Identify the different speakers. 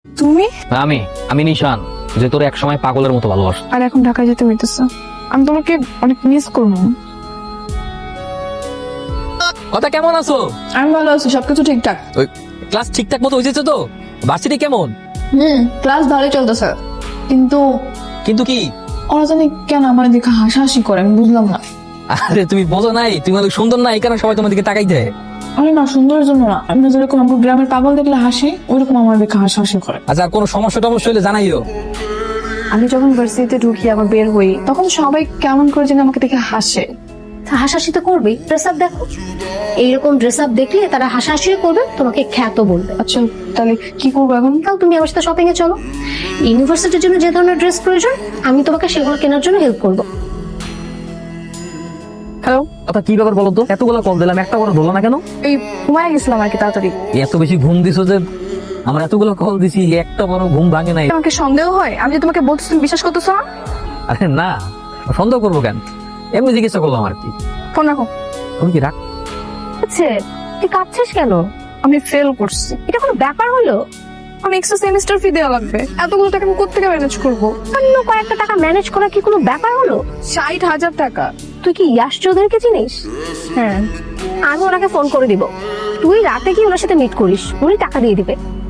Speaker 1: তুমি?
Speaker 2: আমি আমি নিশান, যে তোর এক সময় পাগলের মতো ভালোবাসত।
Speaker 1: আর এখন ঢাকায় যেতে হইতেছে। আমি তোমাকে অনেক মিস করবো।
Speaker 2: কথা কেমন আছো?
Speaker 1: আমি ভালো আছি, সবকিছু ঠিকঠাক।
Speaker 2: ওই ক্লাস ঠিকঠাক মতো হয়েছে তো? ভার্সিটি কেমন?
Speaker 1: ক্লাস ভালোই চলতেছে, কিন্তু
Speaker 2: কিন্তু কি?
Speaker 1: ওরা জানি কেন আমার দিকে হাসাহাসি করে, আমি বুঝলাম না।
Speaker 2: আরে তুমি বোঝো নাই, তুমি অনেক সুন্দর না, এই কারণে সবাই তোমার দিকে তাকাই দেয়।
Speaker 1: আরে না, সুন্দরের জন্য না, আমরা যেরকম আমার গ্রামের পাগল দেখলে হাসি, ওইরকম আমার দিকে হাসাহাসি করে।
Speaker 2: আচ্ছা, আর কোনো সমস্যা টমস্যা হলে জানাইও।
Speaker 1: আমি যখন ভার্সিটিতে ঢুকি, আবার বের হই, তখন সবাই কেমন করে যেন আমাকে দেখে হাসে।
Speaker 3: হাসাহাসি তো করবে। ড্রেস আপ দেখো, এইরকম ড্রেস আপ দেখলে তারা হাসাহাসিও করবে, তোমাকে খ্যাত বলবে।
Speaker 1: আচ্ছা, তাহলে কি করবো এখন?
Speaker 3: তাও তুমি আমার সাথে শপিং এ চলো। ইউনিভার্সিটির জন্য যে ধরনের ড্রেস প্রয়োজন, আমি তোমাকে সেগুলো কেনার জন্য হেল্প করবো।
Speaker 1: হ্যালো,
Speaker 2: কথা কি ব্যাপার বলো তো? এতগুলো কল দিলাম, একটা করে ধরলো না কেন?
Speaker 1: এই ঘুমায় গেছিলাম আর কি, তাড়াতাড়ি।
Speaker 2: এত বেশি ঘুম দিছো যে আমার এতগুলো কল দিছি, একটা বড় ঘুম ভাঙে নাই।
Speaker 1: আমাকে সন্দেহ হয়? আমি যে তোমাকে বলতেছি, তুমি বিশ্বাস করতেছো না?
Speaker 2: আরে না, সন্দেহ করবো কেন? এমনি জিজ্ঞাসা করলাম আর কি।
Speaker 1: ফোন রাখো।
Speaker 2: তুমি কি রাখ?
Speaker 3: আচ্ছা, তুই কাঁদছিস কেন?
Speaker 1: আমি ফেল করছি।
Speaker 3: এটা কোনো ব্যাপার হলো?
Speaker 1: আমি এক্সট্রা সেমিস্টার ফি দেওয়া লাগবে, এতগুলো টাকা আমি কোত্থেকে ম্যানেজ করবো?
Speaker 3: অন্য কয়েকটা টাকা ম্যানেজ করা কি কোনো ব্যাপার হলো?
Speaker 1: 60,000 টাকা।
Speaker 3: তুই কি ইয়াশ চৌধুরীকে চিনিস?
Speaker 1: হ্যাঁ।
Speaker 3: আমি ওনাকে ফোন করে দিব, তুই রাতে কি ওনার সাথে মিট করিস, উনি টাকা দিয়ে দিবে।